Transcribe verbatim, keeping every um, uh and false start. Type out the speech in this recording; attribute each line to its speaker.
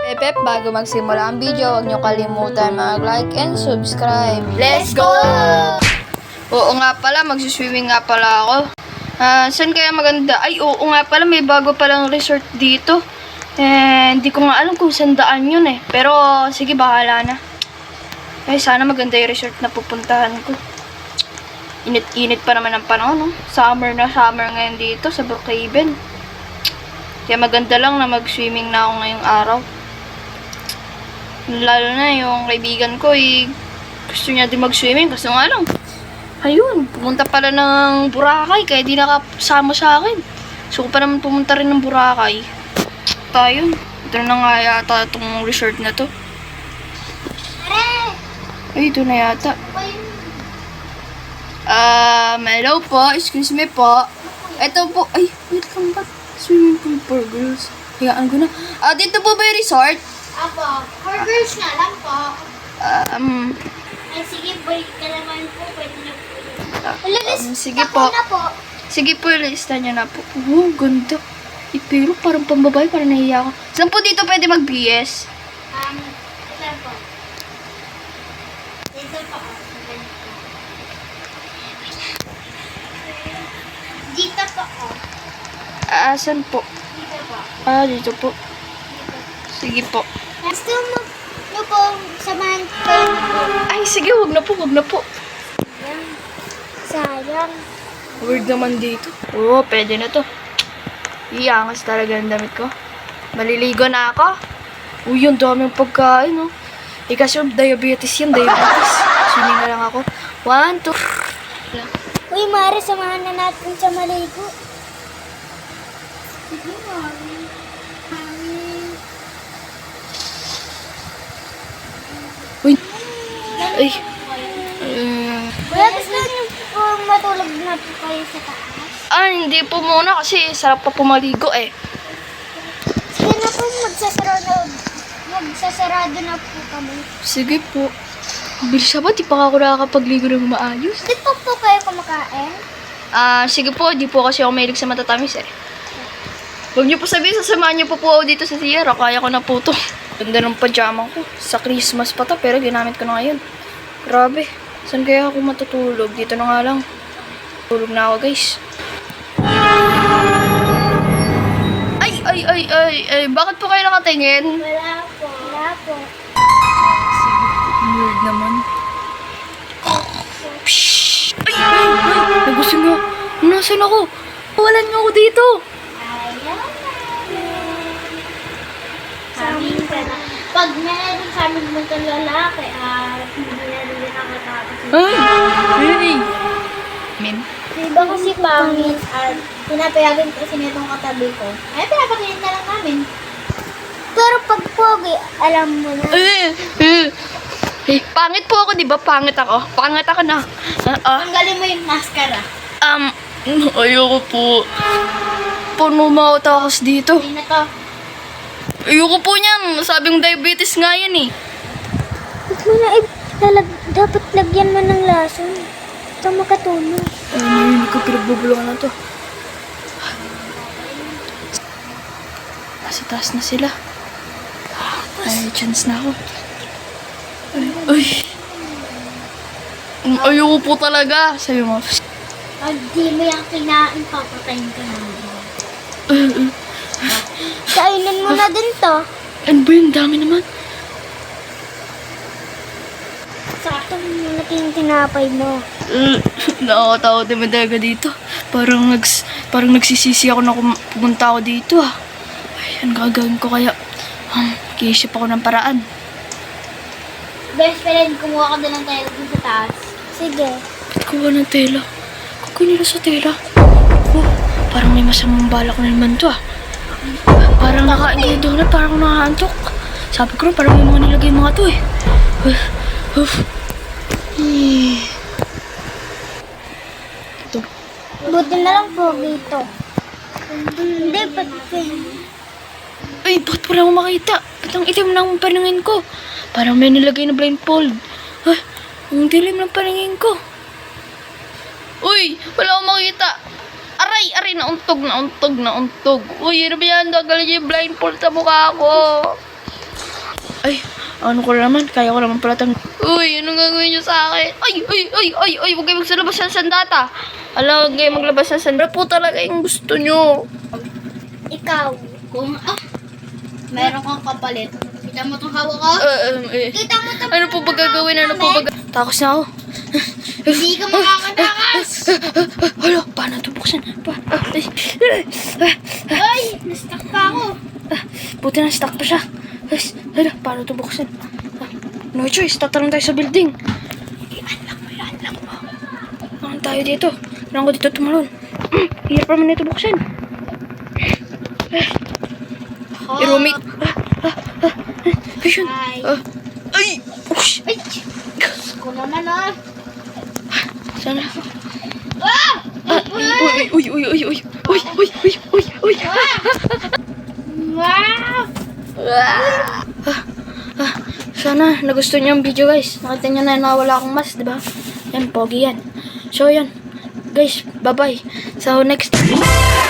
Speaker 1: Pep, bago magsimula ang video, huwag niyo kalimutan mag-like and subscribe. Let's go! Oo nga pala, magsuswimming nga pala ako. Ah, saan kaya maganda? Ay, oo nga pala, may bago palang resort dito. Eh, hindi ko nga alam kung saan daan yun eh. Pero, sige, bahala na. Ay, sana maganda yung resort na pupuntahan ko. Init-init pa naman ang panahon, no? Summer na summer ngayon dito sa Brookhaven. Kaya maganda lang na mag-swimming na ako ngayong araw. Lalo na yung kaibigan ko, eh, gusto niya din mag-swimming. Kasi nga lang, ayun, pumunta pala ng Boracay, kaya di nakasama sa akin. So, ko pa naman pumunta rin ng Boracay. Tayo, ito na nga yata itong resort na to. Ay, ito na yata. Um, hello po, excuse me po. Ito po, ay, wait lang ba? Swimming pool for girls. Hayaan ko na. Ah, dito po ba yung resort?
Speaker 2: Apo, for girls na lang po.
Speaker 1: Um,
Speaker 2: Ay, sige, balik ka naman po. Pwede na po.
Speaker 1: um, sige po.
Speaker 2: na po.
Speaker 1: Sige po, lista niyo na po. Oh, ganda. Eh, pero parang pambabae, parang nahiya ako. Saan po dito pwede mag-B S?
Speaker 2: Um, ito po. Dito po. Dito po.
Speaker 1: Ah, saan po?
Speaker 2: Dito po.
Speaker 1: Ah, dito po. Sige po.
Speaker 2: Gusto mo, mo po, samahan kayo po.
Speaker 1: Ay, sige, wag na po, wag na po.
Speaker 2: Sayang. Sayang.
Speaker 1: Weird naman dito. Oo, oh, pwede na to. Iangas talaga ang damit ko. Maliligo na ako. Uy, yung daming pagkain, oh. Eh, kasi diabetes yan, diabetes. Swimming na lang ako. One, two.
Speaker 2: Uy, Mare, samahan na natin sa maligo. Sige, Mare.
Speaker 1: Uy. Ay. Uh,
Speaker 2: Kuya, gusto niyo po matulog na po kayo sa taas?
Speaker 1: ah, hindi po muna kasi sarap pa pumaligo eh.
Speaker 2: Sige na po, magsasarado, magsasarado na po kami.
Speaker 1: Sige po. Bilis ba? Di pa ako nakakapagligo ng maayos.
Speaker 2: Di po po kayo kumakain?
Speaker 1: Ah, sige po. Di po kasi ako mahilig sa matatamis eh. Huwag niyo po sabihin, sasamahan niyo po po ako dito sa Sierra. Kaya ko na po to. Ganda ng pajama ko. Sa Christmas pa to, pero ginamit ko na ngayon. Grabe. Saan kaya ako matutulog? Dito na nga lang. Tulog na ako, guys. Ay, ay, ay, ay, ay. Bakit po kayo nakatingin?
Speaker 2: Wala po. Wala po.
Speaker 1: Weird naman. Pshhh! Ay, ay, ay! Nagusin mo. Nasaan ako? Walan niyo ako dito.
Speaker 2: Ayaw na. Sabi ka na. Pag meron sa amin mo itong lalaki, ah, hindi na rin nakatapos.
Speaker 1: Ay! Ay! Min?
Speaker 2: Diba kasi pangit at pinapayagan kasi nitong katabi ko. Ay, pinapakinig na lang namin. Pero pag pogi, alam mo na.
Speaker 1: Eh! Eh! Eh, pangit po ako, di ba? Pangit ako. Pangit ako na. Ah, ah.
Speaker 2: Tanggalin mo yung mascara.
Speaker 1: Um, ayoko po. Puno mautakas dito.
Speaker 2: Hindi na to.
Speaker 1: Ayoko po niyan. Sabing diabetes nga yan eh.
Speaker 2: Ba't mo na lalag, dapat lagyan mo ng lason. Ito makatulong.
Speaker 1: Ay, hindi ko pinagbubulungan na to. Nasa taas na sila. Ay, chance na ako. Ay, ay. Mm, ayoko po talaga. Sabi mo.
Speaker 2: Pag di mo yung kinain, papatayin ka namin.
Speaker 1: Uh, uh.
Speaker 2: Kainin mo na din to.
Speaker 1: Ano ba yung dami naman?
Speaker 2: Sakto mo natin tinapay mo.
Speaker 1: Uh, nakakatawa naman talaga dito. Parang, nags, parang nagsisisi ako na kum- pumunta ako dito ah. Ay, ano gagawin ko kaya? Um, Kiyisip ako ng paraan.
Speaker 2: Best friend, kumuha ka din ng tela dun sa taas. Sige.
Speaker 1: Ba't kuha ng tela? Kukunin na sa tela. Oh, parang may masamang balak na naman to ah. Parang nakain ko yung donut, parang ako nakaantok. Sabi ko rin, parang may mga nilagay mga to eh. Uh, uh. Eh. Ito.
Speaker 2: Buti na lang po dito. Hindi, ba't
Speaker 1: Ay, bakit wala akong makita? Ba't ang itim ng paningin ko? Parang may nilagay na blindfold. Ay, ang dilim ng paningin ko. Uy, wala akong makita. Aray, aray, nauntog, nauntog, nauntog. Uy, ano ba yan? Gagal yung blindfold sa mukha ko. Ay, ano ko naman? Kaya ko naman pala tang... Uy, anong gagawin niyo sa akin? Ay, ay, ay, ay, ay, huwag kayo magsalabas ng sandata. Alam, huwag kayo maglabas ng sandata. Po talaga yung gusto niyo.
Speaker 2: Ikaw, kung ah, meron kang kapalit. Kita mo itong hawak ko?
Speaker 1: Uh, um, eh.
Speaker 2: Kita mo itong
Speaker 1: Ano po ba gagawin? Ano po ba ga- Takos na ako.
Speaker 2: Hindi ka makakatakas.
Speaker 1: Hala, paano ito buksan? Pa ah, ay,
Speaker 2: Ay, na-stuck pa ako.
Speaker 1: ah, buti na stuck pa siya. Ay, hala, paano ito buksan? Ah, no choice, tatalong tayo sa building. I-unlock mo, i-unlock mo. Nakan tayo dito. Kailangan ko dito tumalon. Mm, hirap naman ito buksan.
Speaker 2: Oh.
Speaker 1: I-roomit. Ah, ah, ah, ay, yun.
Speaker 2: Ay.
Speaker 1: Ah, ay, ush.
Speaker 2: Ay, ko naman ah.
Speaker 1: Sana.
Speaker 2: Ah!
Speaker 1: Ah, uy, uy, uy, uy, uy, uy, uy, uy, uy, uy.
Speaker 2: Wow!
Speaker 1: Ah, ah, sana nagustuhan niyo yung video guys. Nakita niyo na nawala akong mask, di ba? Yan, pogi yan. So yan. Guys, bye-bye. So next time.